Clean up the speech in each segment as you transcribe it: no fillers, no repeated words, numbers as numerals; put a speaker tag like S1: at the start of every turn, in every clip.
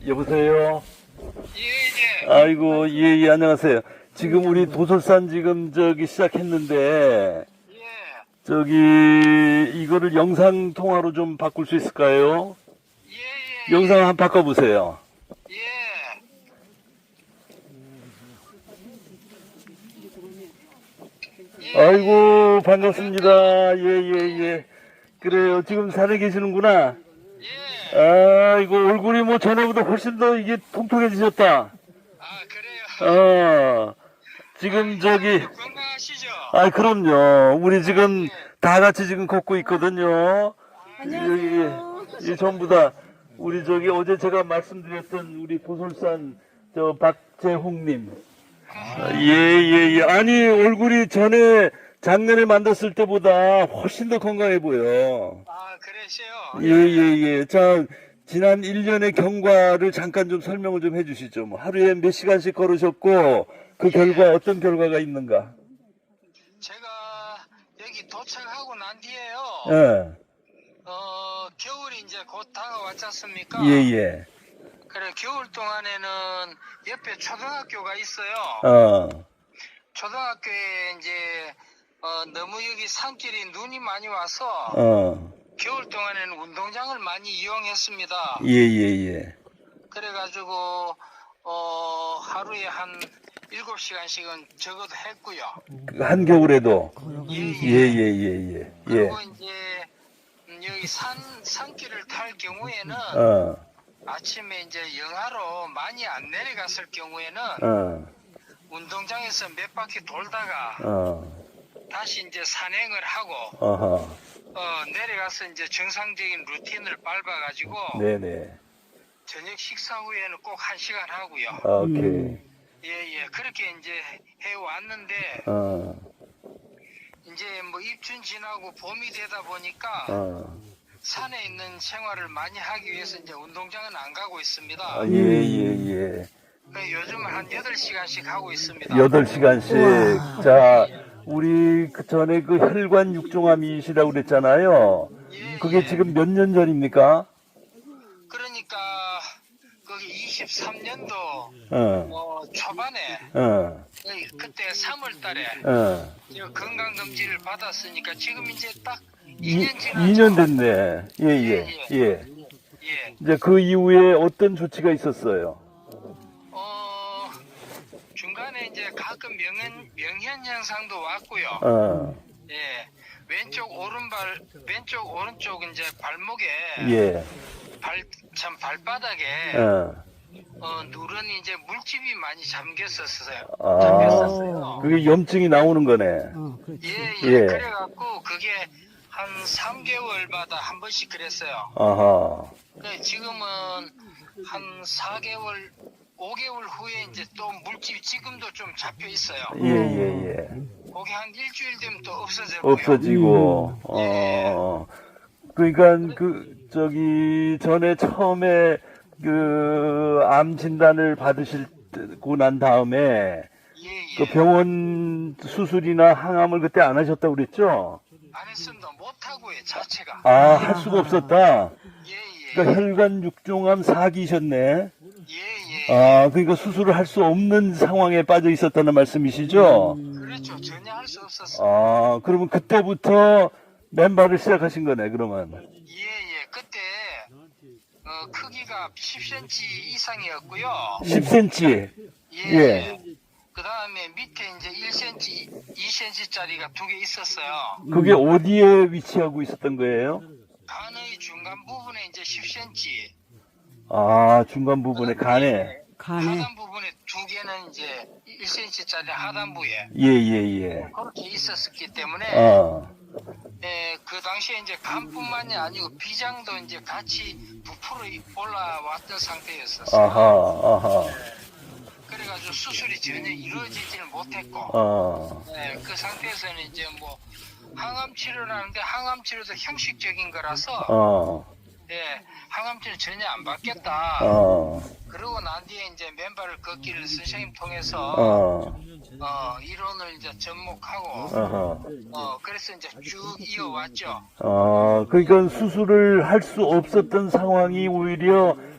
S1: 여보세요?
S2: 예, 예.
S1: 아이고, 예, 예, 안녕하세요. 지금 우리 도솔산 지금 시작했는데,
S2: 예.
S1: 이거를 영상 통화로 좀 바꿀 수 있을까요?
S2: 예, 예.
S1: 영상 한번 바꿔보세요.
S2: 예. 예.
S1: 아이고, 반갑습니다. 예, 예, 예. 그래요. 지금 산에 계시는구나.
S2: 예.
S1: 아이고, 얼굴이 뭐 전에보다 훨씬 더 이게 통통해지셨다.
S2: 아, 그래요.
S1: 지금
S2: 건강하시죠?
S1: 아, 그럼요. 우리 지금 다 같이 지금 걷고 있거든요.
S3: 안녕하세요.
S1: 이 전부 다 우리 어제 제가 말씀드렸던 우리 도솔산 박재홍님. 예, 예, 예. 아니, 얼굴이 작년에 만났을 때보다 훨씬 더 건강해 보여.
S2: 아, 그러세요?
S1: 예, 예, 예. 자, 지난 1년의 경과를 잠깐 좀 설명을 좀 해주시죠. 뭐 하루에 몇 시간씩 걸으셨고, 그 결과, 어떤 결과가 있는가?
S2: 제가 여기 도착하고 난 뒤에요.
S1: 예,
S2: 겨울이 이제 곧 다가왔지 않습니까?
S1: 예, 예.
S2: 그래, 겨울 동안에는 옆에 초등학교가 있어요. 초등학교에 이제, 너무 여기 산길이 눈이 많이 와서, 겨울 동안에는 운동장을 많이 이용했습니다.
S1: 예, 예, 예.
S2: 그래가지고 하루에 한 7시간씩은 적어도 했고요.
S1: 한겨울에도.
S2: 예,
S1: 예, 예, 예, 예. 예.
S2: 그리고 이제 여기 산길을 탈 경우에는 아침에 이제 영하로 많이 안 내려갔을 경우에는 운동장에서 몇 바퀴 돌다가 다시 이제 산행을 하고 내려가서 이제 정상적인 루틴을 밟아가지고
S1: 네네.
S2: 저녁 식사 후에는 꼭 1시간 하고요.
S1: 오케이.
S2: 예, 그렇게 이제 해왔는데, 이제 뭐 입춘 지나고 봄이 되다 보니까, 산에 있는 생활을 많이 하기 위해서 이제 운동장은 안 가고 있습니다.
S1: 예, 예, 예.
S2: 요즘은 한 8시간씩 하고 있습니다.
S1: 8시간씩. 자, 우리 그 전에 그 혈관 육종암이시라고 그랬잖아요.
S2: 예,
S1: 그게
S2: 예.
S1: 지금 몇 년 전입니까?
S2: 그러니까, 거기 23년도 초반에, 그때 3월 달에 건강검진을 받았으니까 지금 이제 딱 2년 지났죠.
S1: 2년 됐네. 예, 예, 예.
S2: 예.
S1: 이제 그 이후에 어떤 조치가 있었어요?
S2: 중간에 이제 가끔 명현 현상도 왔고요. 예. 왼쪽 오른쪽 이제 발목에
S1: 예.
S2: 발바닥에 누런 이제 물집이 많이 잠겼었어요.
S1: 그게 염증이 나오는 거네.
S2: 예.
S1: 예.
S2: 그래갖고 그게 한 3개월마다 한 번씩 그랬어요.
S1: 아하.
S2: 지금은 한 4개월, 5개월 후에 이제 또 물집이 지금도 좀 잡혀 있어요.
S1: 예, 예, 예.
S2: 그게 한 일주일 되면 또 없어졌고요.
S1: 없어지고, 그러니까 전에 처음에 암 진단을 받으시고 난 다음에
S2: 예.
S1: 그 병원 수술이나 항암을 그때 안 하셨다고 그랬죠?
S2: 안 했습니다. 못하고요, 자체가.
S1: 할 수가 없었다.
S2: 예.
S1: 그러니까 혈관 육종암 4기셨네.
S2: 예.
S1: 그러니까 수술을 할 수 없는 상황에 빠져 있었다는 말씀이시죠?
S2: 그렇죠. 전혀 할 수 없었어요.
S1: 그러면 그때부터 맨발을 시작하신 거네, 그러면.
S2: 예. 그때, 크기가 10cm 이상이었고요.
S1: 10cm.
S2: 예. 그 다음에 밑에 이제 1cm, 2cm짜리가 2개 있었어요.
S1: 그게 어디에 위치하고 있었던 거예요?
S2: 간의 중간 부분에 이제 10cm.
S1: 중간 부분에 간에.
S2: 하단 부분에 2개는 이제 1cm짜리 하단부에.
S1: 예.
S2: 그렇게 있었기 때문에, 그 당시에 이제 간뿐만이 아니고 비장도 이제 같이 부풀어 올라왔던 상태였었어요.
S1: 아하.
S2: 그래가지고 수술이 전혀 이루어지지를 못했고, 그 상태에서는 이제 뭐 항암 치료를 하는데 항암 치료도 형식적인 거라서, 항암 치료 전혀 안 받겠다. 그러고 난 뒤에 이제 맨발을 걷기를 선생님 통해서 이론을 이제 접목하고, 그래서 이제 쭉 이어왔죠.
S1: 그러니까 수술을 할 수 없었던 상황이 오히려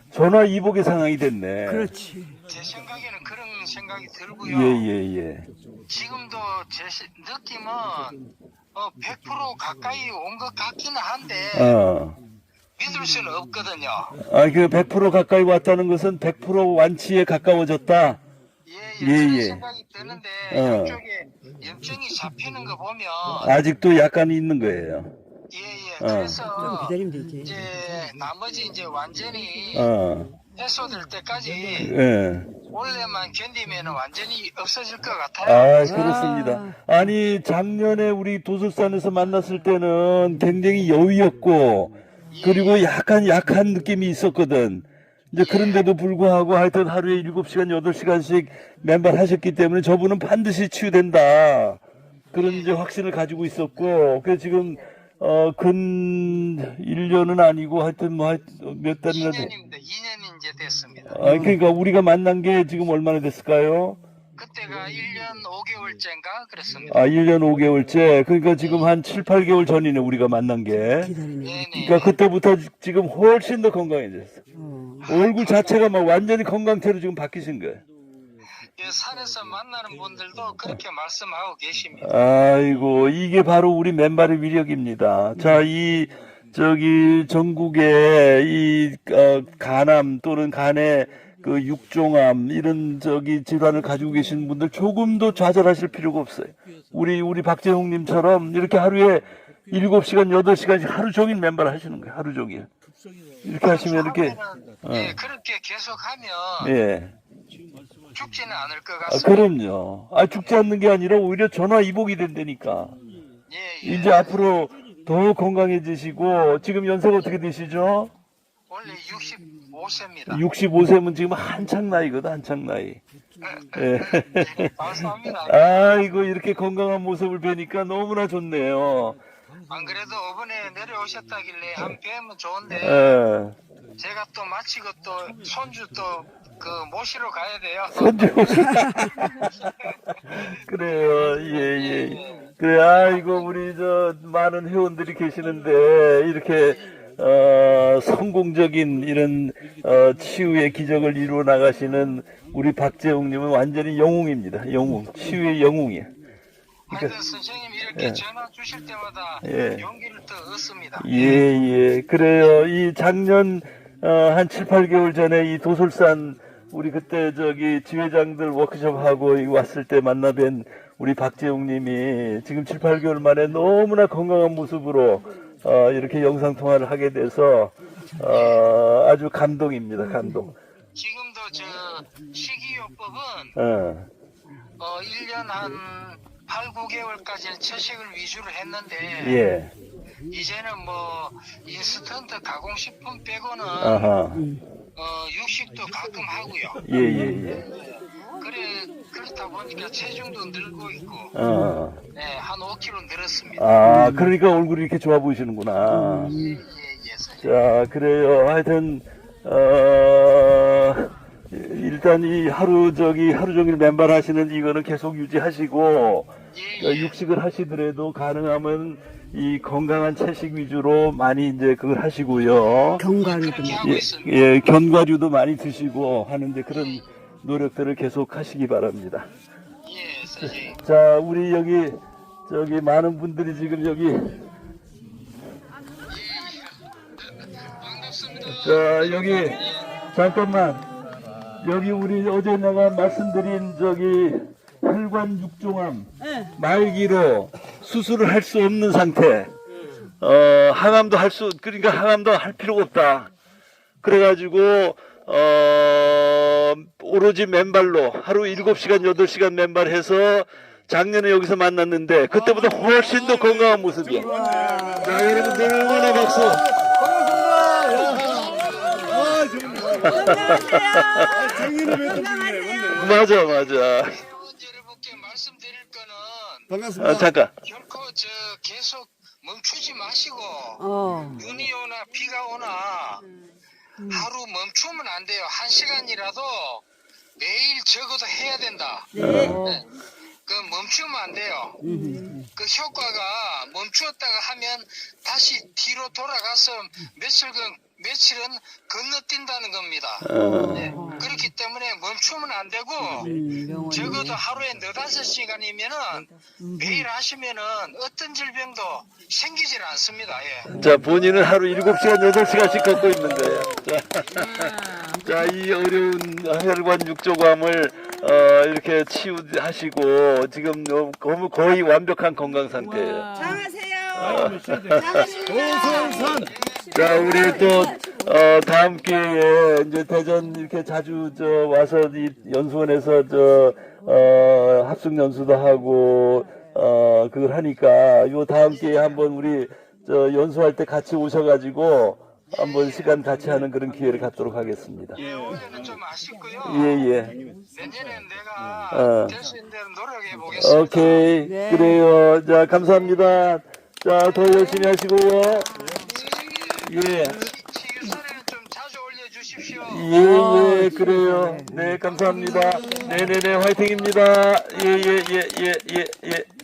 S1: 전화 이복의 상황이 됐네.
S3: 그렇지.
S2: 제 생각에는 그런 생각이 들고요.
S1: 예.
S2: 지금도 제 느낌은 100% 가까이 온 것 같기는 한데 믿을 수는 없거든요.
S1: 그 100% 가까이 왔다는 것은 100% 완치에 가까워졌다.
S2: 그런 생각이 드는데 이쪽에 염증이 잡히는 거 보면
S1: 아직도 약간 있는 거예요.
S2: 그래서
S3: 기다리면 되지.
S2: 이제 나머지 이제 완전히 해소될 때까지 원래만 견디면 완전히 없어질 것 같아요.
S1: 그렇습니다. 아니 작년에 우리 도술산에서 만났을 때는 굉장히 여유였고 그리고 약간 약한 느낌이 있었거든. 이제 그런데도 불구하고 하여튼 하루에 7시간, 8시간씩 맨발 하셨기 때문에 저분은 반드시 치유된다. 그런 이제 확신을 가지고 있었고, 그래서 지금, 근 1년은 아니고 하여튼 뭐 몇 달이나
S2: 2년이 이제 됐습니다.
S1: 그러니까 우리가 만난 게 지금 얼마나 됐을까요?
S2: 그때가 1년 5개월째인가 그랬습니다.
S1: 1년 5개월째. 그러니까 지금 한 7, 8개월 전이네, 우리가 만난 게. 그러니까 그때부터 지금 훨씬 더 건강해졌어. 얼굴 자체가 막 완전히 건강태로 지금 바뀌신 거예요.
S2: 산에서 만나는 분들도 그렇게 말씀하고 계십니다.
S1: 아이고, 이게 바로 우리 맨발의 위력입니다. 자, 전국에 간암 또는 간에 그 육종암 이런 질환을 가지고 계신 분들 조금도 좌절하실 필요가 없어요. 우리 박재홍님처럼 이렇게 하루에 7시간, 8시간씩 하루 종일 맨발 하시는 거예요. 하루 종일. 이렇게 하시면 이렇게.
S2: 그렇게 계속하면. 죽지는 않을 것 같습니다.
S1: 그럼요. 죽지 않는 게 아니라 오히려 전화 이복이 된다니까. 이제 앞으로 더 건강해지시고, 지금 연세가 어떻게 되시죠?
S2: 원래 65세입니다.
S1: 65세면 지금 한창 나이거든, 한창 나이.
S2: 감사합니다.
S1: 아이고, 이렇게 건강한 모습을 뵈니까 너무나 좋네요.
S2: 안 그래도 이번에 내려오셨다길래 한 뵈면 좋은데, 제가 또 마치고 또 손주 또 모시러 가야 돼요.
S1: 손주 그래요. 예. 그래, 아이고, 우리 많은 회원들이 계시는데, 이렇게, 성공적인 이런, 치유의 기적을 이루어 나가시는 우리 박재홍님은 완전히 영웅입니다. 영웅. 치유의 영웅이야.
S2: 하여튼 선생님 이렇게 전화 주실 때마다 용기를 더 얻습니다.
S1: 그래요. 이 작년, 한 7, 8개월 전에 이 도솔산 우리 그때 지회장들 워크숍하고 왔을 때 만나뵌 우리 박재웅님이 지금 7, 8개월 만에 너무나 건강한 모습으로 이렇게 영상통화를 하게 돼서 아주 감동입니다. 감동.
S2: 지금도 식이요법은 1년 한 8, 9개월까지는 채식을 위주로 했는데 이제는 뭐 인스턴트 가공식품 빼고는 육식도 가끔 하고요. 그렇다 보니까 체중도 늘고 있고 한 5kg 늘었습니다.
S1: 그러니까 얼굴이 이렇게 좋아 보이시는구나. 자, 그래요. 하여튼 일단 이 하루 종일 맨발 하시는 이거는 계속 유지하시고 육식을 하시더라도 가능하면 이 건강한 채식 위주로 많이 이제 그걸 하시고요.
S3: 견과류도
S1: 견과류도 많이 드시고 하는데 그런 노력들을 계속 하시기 바랍니다.
S2: 선생님.
S1: 자, 우리 많은 분들이 지금
S2: 반갑습니다.
S1: 자, 잠깐만. 우리 어제 내가 말씀드린 혈관 육종암 말기로 수술을 할 수 없는 상태. 항암도 항암도 할 필요가 없다. 그래가지고 오로지 맨발로 하루 7시간, 8시간 맨발해서 작년에 여기서 만났는데 그때보다 훨씬 더 건강한 모습이야. 자, 여러분들 응원의 박수. 맞아.
S2: 여러분께 말씀드릴 거는
S4: 반갑습니다.
S1: 잠깐.
S2: 결코 계속 멈추지 마시고 눈이 오나 비가 오나 하루 멈추면 안 돼요. 1시간이라도 매일 적어도 해야 된다. 그 멈추면 안 돼요. 그 효과가 멈추었다가 하면 다시 뒤로 돌아가서 며칠은 건너뛴다는 겁니다. 네. 그렇기 때문에 멈추면 안 되고 적어도 하루에 4-5시간이면은 매일 하시면은 어떤 질병도 생기질 않습니다. 예.
S1: 자, 본인은 하루 7시간, 8시간씩 걷고 있는 거예요. 자, 이 어려운 혈관 육조감을 이렇게 치유하시고 지금 거의 완벽한 건강 상태예요.
S3: 잘하세요.
S1: 고솔산. 자, 우리 또 다음 기회에 이제 대전 이렇게 자주 와서 이 연수원에서 합숙 연수도 하고 그걸 하니까 요 다음 기회에 한번 우리 연수할 때 같이 오셔가지고 한번 시간 같이 하는 그런 기회를 갖도록 하겠습니다.
S2: 예, 올해는 좀 아쉽고요.
S1: 예.
S2: 내년엔 내가 될 수 있는 대로 노력해 보겠습니다.
S1: 오케이.
S3: 네.
S1: 그래요. 자, 감사합니다. 자, 더 열심히 하시고요. 예.
S2: 치유선에는 좀 자주 올려주십시오.
S1: 예, 그래요. 네, 감사합니다. 네네네, 화이팅입니다. 예.